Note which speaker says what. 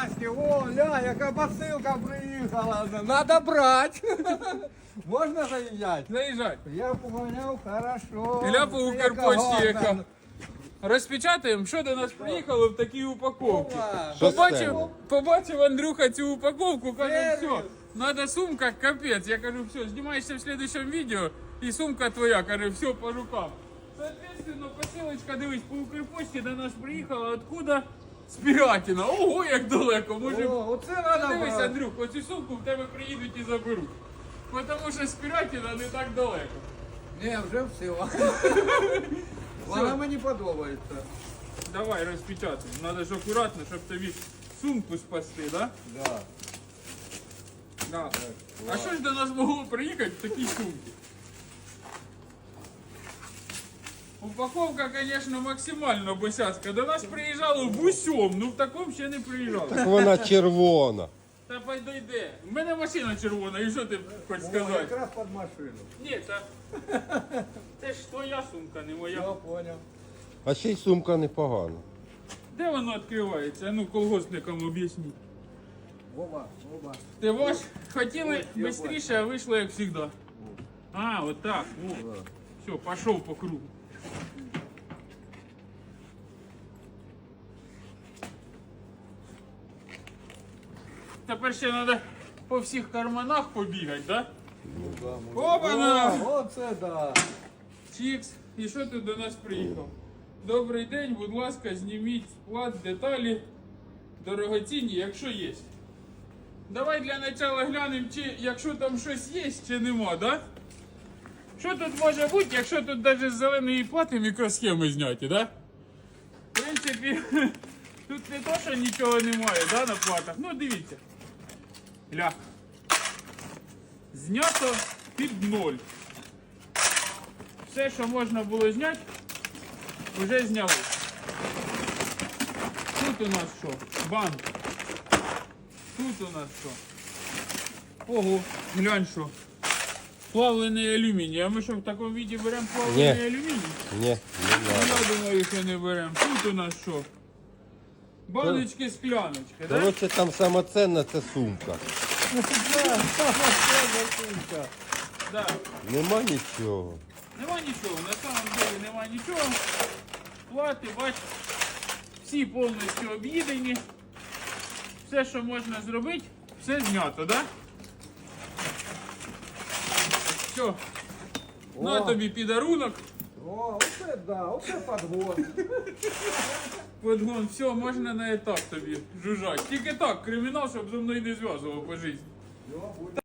Speaker 1: Настя, о, ля, яка посилка приїхала. Надо брати. Можна заїжджати?
Speaker 2: Заїжджай.
Speaker 1: Я поняв, хорошо.
Speaker 2: Ілля по Укрпочті яка.
Speaker 1: гарна.
Speaker 2: Розпечатаємо, що до нас приїхало в такій упаковці.
Speaker 1: Ова.
Speaker 3: Що
Speaker 2: Побачив Андрюха цю упаковку, каже,
Speaker 1: Сервіс.
Speaker 2: все, надо сумка, капець. Я кажу, все, знімаєшся в следующем відео, і сумка твоя, каже, все по рукам. Соответственно, посилочка, дивись, по Укрпочті до нас приїхала, откуда? З Пірятіна. Ого, як далеко, може.
Speaker 1: О, оце надо
Speaker 2: Дивись,
Speaker 1: брати.
Speaker 2: Андрюх, оцю сумку в тебе приїдуть і заберуть. Тому що з Пірятіна не так далеко.
Speaker 1: Ні, вже все. Вона мені подобається.
Speaker 2: Давай розпечатаємо. Надо ж акуратно, щоб тобі сумку спасти, да?
Speaker 1: Да.
Speaker 2: Да. А що ж до нас могло приїхати в такій сумці? Упаковка, звісно, максимально босяцька. До нас приїжджало в усьому, ну в такому ще не приїжджало.
Speaker 3: Так вона червона.
Speaker 2: Та підійде. У мене машина червона, і що ти хочеш
Speaker 1: О,
Speaker 2: сказати?
Speaker 1: якраз під машину.
Speaker 2: Ні, та... Це ж твоя сумка, не моя.
Speaker 1: Я поняв.
Speaker 3: А ще й сумка непогана.
Speaker 2: Де воно відкривається? Ну, колгоспникам об'ясніть.
Speaker 1: Оба, оба.
Speaker 2: Ти ваш хотіли
Speaker 1: я
Speaker 2: швидше, а вийшло як завжди. А, от так. Все, пішов по кругу. Тепер ще треба по всіх карманах побігати, так? Да? Опа-на!
Speaker 1: Оце да.
Speaker 2: Чікс. І що ти до нас приїхав? Добрий день, будь ласка, зніміть склад, деталі, дорогоцінні, якщо є. Давай для начала глянемо, чи якщо там щось є, чи нема, да? Що тут може бути, якщо тут навіть з зеленої плати мікросхеми зняті, да? В принципі, тут не то, що нічого немає, да, на платах. Ну, дивіться. Ля. Знято під ноль. Все, що можна було зняти, вже зняли. Тут у нас що? Банк. Тут у нас що? Ого, глянь що. Плавлений алюміній. А ми що в такому віді беремо плавлений
Speaker 3: Ні.
Speaker 2: алюміній?
Speaker 3: Ні, не треба.
Speaker 2: Я думаю, що не беремо. Тут у нас що? Баночки, скляночки, так? Да?
Speaker 3: Коротше, там сама ценна це сумка.
Speaker 2: Да.
Speaker 3: Нема нічого.
Speaker 2: Нема нічого, на самом деле нема нічого. Плати, бач, всі повністю об'їдені. Все, що можна зробити, все знято, так? Да? Все. На тобі підарунок.
Speaker 1: О, оце да, оце подгон.
Speaker 2: Подгон, все, можна на етап тобі жужжать. Тільки так, кримінал, щоб зі мною не зв'язував по житті.
Speaker 1: Йо, буде.